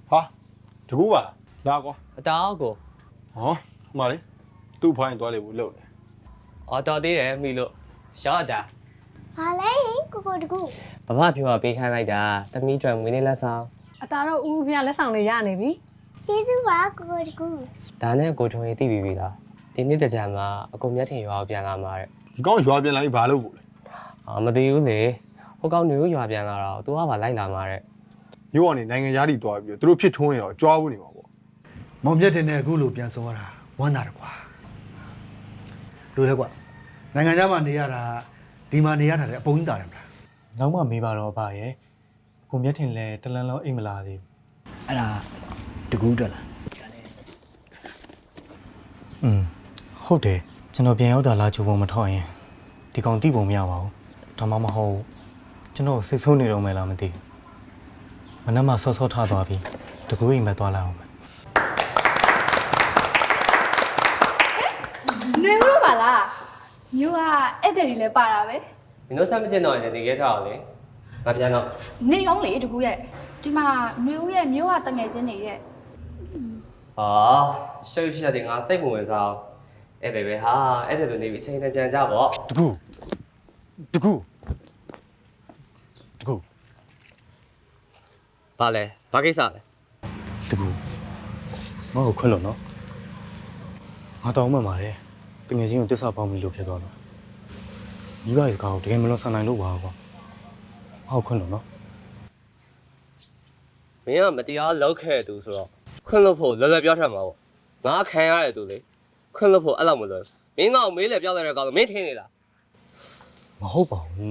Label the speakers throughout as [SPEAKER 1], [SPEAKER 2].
[SPEAKER 1] 哈，这个吧，哪个？
[SPEAKER 2] 打個
[SPEAKER 1] 哦，妈的，都怕人多来不漏的。
[SPEAKER 2] 我到啲嘢咪လို့小得
[SPEAKER 3] ဟာလဲကိုကိုတကူ
[SPEAKER 2] ဘာမှပြောပေးခိုင်းလိုက်တာတမီးကျွမ်းမွေးနေ့လက်ဆောင်
[SPEAKER 4] အတားတော့ဦးဖျားလက်ဆောင်လေးရနေပြီ
[SPEAKER 3] ကျေးဇူးပါကိုကိုတကူ
[SPEAKER 2] ဒါနဲ့ကိုထွန်ရေးသိပြီလားဒီနေ့တကြံမှာအကုန်မျက်ထင်ရွာကိုပြန်လာမှာတဲ့
[SPEAKER 1] 你刚ရွာပြန်လာပြီဘာလို့ကိုလဲ
[SPEAKER 2] မသိဘူးလေဟိုကောင်မျိုးရွာပြန်လာတော့သူကပါလိုက်လာမှာတဲ့
[SPEAKER 1] မြို့ကနေနိုင်ငံသားတွေတွားပြီးတော့သူတို့ဖြစ်ထွန်းနေတော့ကြွားဖို့နေမှာပေါ့
[SPEAKER 5] မောင်မြတ်တင်တဲ့အခုလိုပြန်ဆုံးရတာဝမ်းသာတယ်ကွာလို့လဲကွာနိုင်ငံခြားမှာနေရတာဒီမှာနေရတာလည်းအပုံကြီးတာတယ်မလား
[SPEAKER 6] နောက်မှမေးပါတော့ဗာရဲ့ကိုမျက်ထင်လဲတလန်းလုံးအိမ်မလာသေး
[SPEAKER 5] အဲ့ဒါတကူးတက်လား
[SPEAKER 6] ဟုတ်တယ်ကျွန်တော်ပြန်ရောက်တာလာချိုးပုံမထောက်ရင်ဒီကောင်တိပုံမရပါဘူးဒါမှမဟုတ်ကျွန်တော်စိတ်ဆိုးနေတော့မယ်လားမသိဘူးမနက်မှဆော့ဆော့ထားသွားပြီတကူအိမ်မက်သွားလာအောင်မယ်
[SPEAKER 7] နေလို့ပါလားမျိုးကအဲ့တဲ့ကြီးလဲပါတာပဲ
[SPEAKER 2] မင်းတို့ဆက်မချင်တော့ရင်တကယ်ကြောက်လေငါပြန်တော့
[SPEAKER 7] နေအောင်လေတကူရဲ့ဒီမှာနှွေဦးရဲ့မျိုးကတငယ်ချင်းနေရဲ့
[SPEAKER 2] ဟာရှုပ်ရှက်တယ်ငါစိတ်ဝင်စားအဲ့ပဲဟာအဲ့ဒါဆိုနေပြီအချိန်နဲ့ပြန်ကြပေါ့
[SPEAKER 6] တကူတကူတကူ
[SPEAKER 2] ဘာလဲဘာကိစ္စလဲ
[SPEAKER 6] တကူမဟုတ်ခွင့်လို့နော်ငါတောင်းမှမှာတယ်တကယ်ချင်းကိုတစ္ဆာပေါင်းပြီလို့ဖြစ်သွားတော့မိဘရဲ့စကားကိုတကယ်မလွန်ဆန်နိုင်လို့ပါကွာဟုတ်ခွင့်လို့နော်
[SPEAKER 2] မင်းကမတရားလောက်ခဲ့သူဆိုတော့ခွင့်လို့ဖို့လွယ်လွယ်ပြောထမှာပေါ့ငါခံရတဲ့သူလေခွင့်လို့ဖို့အဲ့လောက်မလွယ်မင်းကောင်မေးလေပြောလိုက်တဲ့ကောင်မင်းထင်နေလား
[SPEAKER 6] မဟုတ်ပါဘူး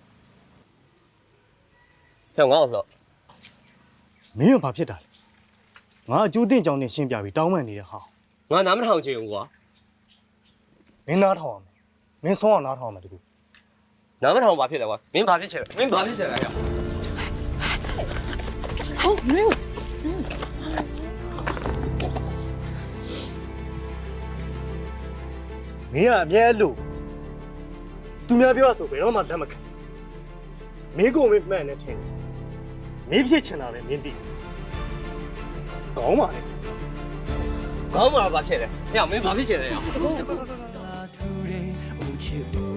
[SPEAKER 2] ဖြောင်းငါ့ဆို
[SPEAKER 6] မင်းကဘာဖြစ်တာလဲငါအကျိုးတင်ကြောင်းနဲ့ရှင်းပြပြီးတောင်းပန်နေတဲ့ဟာ
[SPEAKER 2] ငါနားမထောင်ချင်ဘူးကွာ
[SPEAKER 6] မင်းနားထောင်ရမယ်မင်းဆုံးအောင်နားထောင်ရမယ်တကူ
[SPEAKER 2] နားမထောင်ဘာဖြစ်လဲကွာမင်းဘာဖြစ်ချင်လဲမင်းဘာဖြစ်ချင်လဲဟဲ့
[SPEAKER 4] ဟုတ်မျိုး
[SPEAKER 6] မင်းကအမြဲလို့သူများပြောဆိုဘယ်တော့မှလက်မခံမင်းကိုမင်းမှန်နေတယ်မင်းဖြစ်ချင်တာပဲမင်းသိကောင်းပါလေ
[SPEAKER 2] ကောင်းမှာဘာဖြစ်လဲဟဲ့မင်းဘာဖြစ်ချင်လဲဟဲ့
[SPEAKER 6] တကူ